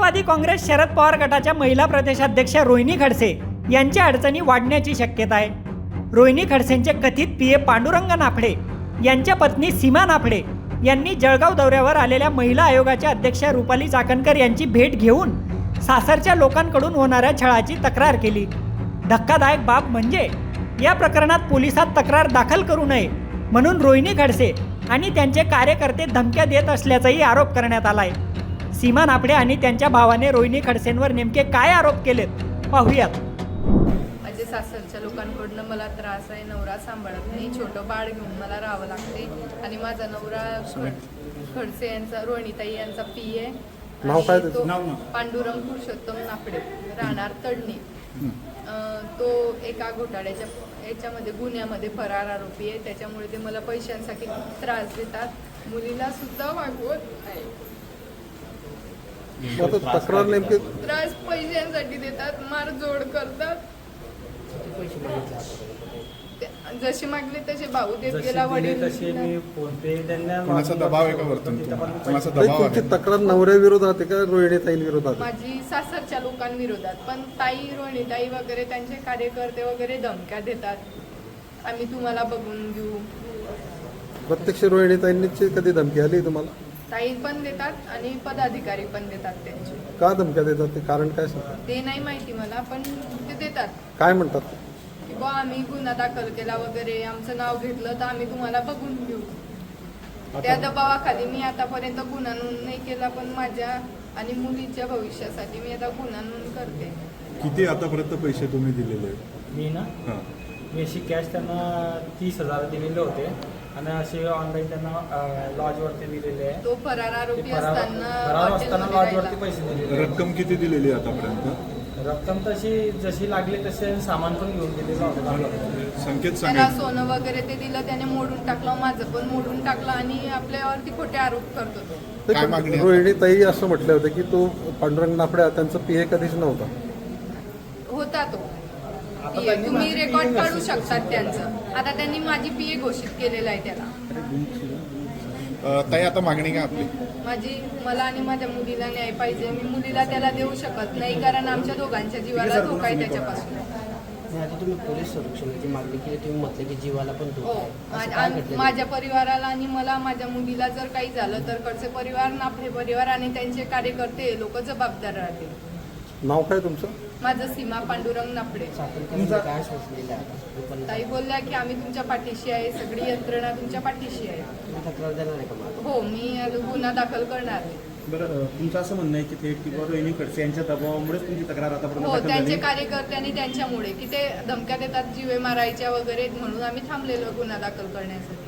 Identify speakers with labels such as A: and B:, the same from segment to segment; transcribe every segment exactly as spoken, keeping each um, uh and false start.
A: राष्ट्रवादी काँग्रेस शरद पवार गटाच्या महिला प्रदेशाध्यक्ष रोहिणी खडसे यांच्या अडचणी वाढण्याची शक्यता आहे। रोहिणी खडसेंचे कथित पीए पांडुरंग नाफडे यांच्या पत्नी सीमा नाफडे यांनी जळगाव दौऱ्यावर आलेल्या महिला आयोगाच्या अध्यक्ष रुपाली चाकणकर यांची भेट घेऊन सासरच्या लोकांकडून होणाऱ्या छळाची तक्रार केली। धक्कादायक बाब म्हणजे या प्रकरणात पोलिसात तक्रार दाखल करू नये म्हणून रोहिणी खडसे आणि त्यांचे कार्यकर्ते धमक्या देत असल्याचाही आरोप करण्यात आला आहे। सीमा नाफडे आणि त्यांच्या भावाने रोहिणी खडसेंवर नेमके काय आरोप केलेत पाहूयात।
B: माझे सासरच्या लोकांकडून मला त्रास आहे, नवरा सांभाळत नाही, छोटं बाळ घेऊन मला राहावं लागते आणि माझा नवरा खडसे यांचा रोहिणीताई यांचा पी आहे,
C: नाव काय
B: तो पांडुरंग पुरुषोत्तम नाफडे राहणार तडणी। तो एका घोटाळ्याच्या याच्यामध्ये गुन्ह्यामध्ये फरार आरोपी आहे, त्याच्यामुळे ते मला पैशांसाठी खूप त्रास देतात, मुलीला सुद्धा वागवत आहे।
C: तक्रार नेमके
B: त्रास पैशांसाठी देतात, मारझोड करतात, जसे मागले तसे भाऊ देत गेला, वडील
D: तसे मी फोन पे त्यांना
E: कोणाचा दबाव आहे का वरतून कोणाचा दबाव
C: तुमची
E: आहे?
C: तक्रार नवऱ्या विरोधात आहे का रोहिणीताई विरोधात?
B: माझी सासरच्या लोकांविरोधात, पण ताई रोहिणीताई वगैरे त्यांचे कार्यकर्ते वगैरे धमक्या देतात, आम्ही तुम्हाला बघून घेऊ।
C: प्रत्यक्ष रोहिणीताईंची कधी धमकी आली तुम्हाला?
B: ताई पण देतात आणि पदाधिकारी पण देतात त्यांचे।
C: का धमक्या देतात ते कारण काय सांगतात?
B: ते नाही माहिती मला, पण ते देतात
C: काय म्हणतात?
B: की बा आम्ही गुन्हा दाखल केला वगैरे, आमचं नाव घेतलं तर आम्ही तुम्हाला बघून घेऊ। त्या दबावाखाली मी आतापर्यंत गुन्हा नोंद नाही केला, पण माझ्या आणि मुलीच्या भविष्यासाठी मी आता गुन्हा नोंद करते।
E: किती आतापर्यंत पैसे तुम्ही दिलेले आहेत?
D: मी ना
E: हां.
D: मी अशी कॅश त्यांना तीस हजार दिलेले होते आणि असे ऑनलाईन त्यांना लॉजवरती दिलेले आहे।
B: तो फरार आरोपी
D: ते फरार
B: असताना
D: फरार असताना
B: हॉटेलमध्ये
D: लॉजवरती
B: राहिला।
D: पैसे दिलेले।
E: रक्कम किती दिलेली आहे आतापर्यंत?
D: रक्कम तशी जशी लागली तसे सामान पण घेऊन दिलेलं होतं।
E: संकेत
B: त्याला
E: सांगा।
B: सोनं वगैरे ते दिलं, त्याने मोडून टाकलं, माझं पण मोडून टाकलं आणि आपल्यावरती खोटे आरोप करतो तो।
E: काय मागणी आहे?
C: रोहिणीताई असं म्हटलं होतं की तो पांडुरंग नाफडे त्यांचा पीए कधीच नव्हता
B: होता तो पीए, तुम्ही रेकॉर्ड काढू शकतात त्यांचं। आता त्यांनी माझी पीए घोषित केलेलं आहे त्याला।
E: अ, ताई आता मागणी काय आपली?
B: माझी मला आणि माझ्या मुलीला न्याय पाहिजे। मी मुलीला त्याला देऊ शकत नाही, कारण आमच्या दोघांच्या जीवाला धोका आहे त्याच्यापासून।
F: आता तुम्ही पोलीस संरक्षणाची मागणी केली, तुम्ही म्हटलं की जीवाला पण
B: हो,
F: धोका आहे, असं काय
B: आणि
F: घडलं?
B: माझ्या परिवाराला आणि मला माझ्या मुलीला जर काही झालं तर खडसे परिवार, नाफडे परिवार आणि त्यांचे कार्यकर्ते लोक जबाबदार राहतील।
C: नाव काय तुमचं?
B: माझं सीमा पांडुरंग नाफडे।
F: सातत्याने काय सोच दिलं आता पण
B: ताई बोलल्या की आम्ही तुमच्या पाठीशी आहे, सगळी यंत्रणा तुमच्या पाठीशी आहे।
F: तुम्ही तक्रार देणार आहे का मला?
B: हो, मी गुन्हा दाखल करणार आहे।
G: बरं, तुमचं असं म्हणणं आहे की थेट किंवा रोहिणी खडसे यांच्या दबावामुळेच तुमची तक्रार आतापर्यंत
B: हो,
G: दाखल
B: त्यांचे
G: झाली?
B: कार्यकर्ते आणि त्यांच्यामुळे की ते धमक्या देतात जीवे मारायच्या वगैरे, म्हणून आम्ही थांबलेलो गुन्हा दाखल करण्यासाठी।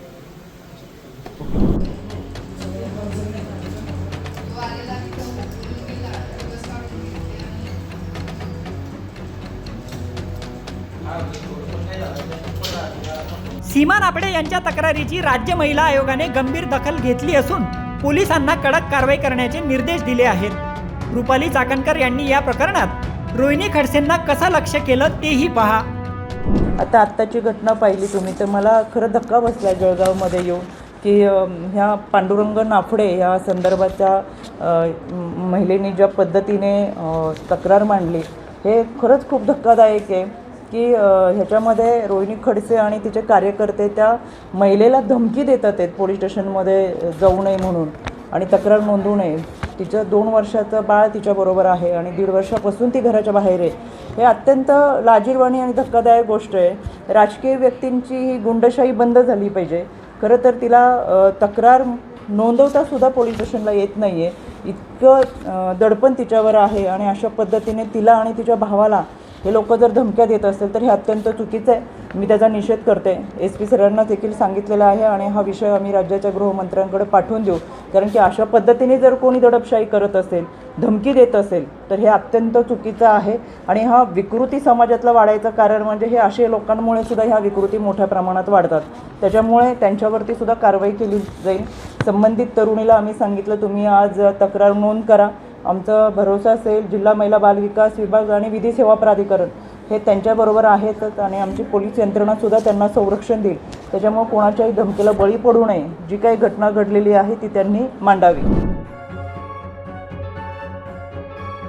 A: सीमा नाफडे यांच्या तक्रारीची राज्य महिला आयोगाने गंभीर दखल घेतली असून पोलिसांना कडक कारवाई करण्याचे निर्देश दिले आहेत। रुपाली चाकणकर यांनी या प्रकरणात रोहिणी खडसेंना कसं लक्ष केलं तेही पहा।
H: आता आत्ताची घटना पाहिली तुम्ही तर मला खरं धक्का बसला जळगावमध्ये येऊन की ह्या पांडुरंग नाफडे ह्या संदर्भाच्या महिलेने ज्या पद्धतीने तक्रार मांडली हे खरंच खूप धक्कादायक आहे की ह्याच्यामध्ये रोहिणी खडसे आणि तिचे कार्यकर्ते त्या महिलेला धमकी देतात आहेत पोलीस स्टेशनमध्ये जाऊ नये म्हणून आणि तक्रार नोंदवू नये। तिचं दोन वर्षाचं बाळ तिच्याबरोबर आहे आणि दीड वर्षापासून ती घराच्या बाहेर आहे। हे अत्यंत लाजिरवाणी आणि धक्कादायक गोष्ट आहे। राजकीय व्यक्तींची ही गुंडशाही बंद झाली पाहिजे। खरं तर तिला तक्रार नोंदवतासुद्धा पोलीस स्टेशनला येत नाही आहे, इतकं दडपण तिच्यावर आहे आणि अशा पद्धतीने तिला आणि तिच्या भावाला हे लोक जर धमक्या देत असेल तर हे अत्यंत चुकीचं आहे। मी त्याचा निषेध करते। एस पी सरांना देखील सांगितलेलं आहे आणि हा विषय आम्ही राज्याच्या गृहमंत्र्यांकडे पाठवून देऊ, कारण की अशा पद्धतीने जर कोणी दडपशाही करत असेल, धमकी देत असेल तर हे अत्यंत चुकीचं आहे आणि हा विकृती समाजातला वाढायचं कारण म्हणजे हे असे लोकांमुळे सुद्धा ह्या विकृती मोठ्या प्रमाणात वाढतात। त्याच्यामुळे त्यांच्यावरती सुद्धा कारवाई केली जाईल। संबंधित तरुणीला आम्ही सांगितलं तुम्ही आज तक्रार नोंद करा। आमचा भरोसा असेल जिल्हा महिला बाल विकास विभाग आणि विधी सेवा प्राधिकरण हे त्यांच्याबरोबर आहेतच आणि आमची पोलीस यंत्रणासुद्धा त्यांना संरक्षण देईल। त्याच्यामुळे कोणाच्याही धमकीला बळी पडू नये। जी काही घटना घडलेली आहे ती त्यांनी मांडावी।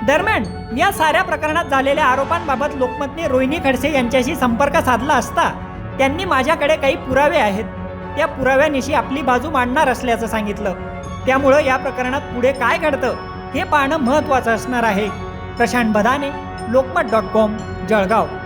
A: दरम्यान या साऱ्या प्रकरणात झालेल्या आरोपांबाबत लोकमतने रोहिणी खडसे यांच्याशी संपर्क साधला असता त्यांनी माझ्याकडे काही पुरावे आहेत, त्या पुराव्यानिशी आपली बाजू मांडणार असल्याचं सांगितलं. त्यामुळं या प्रकरणात पुढे काय घडतं हे पाहणं महत्त्वाचं असणार आहे. Prashant Badane, Lokmat dot com, Jalgaon.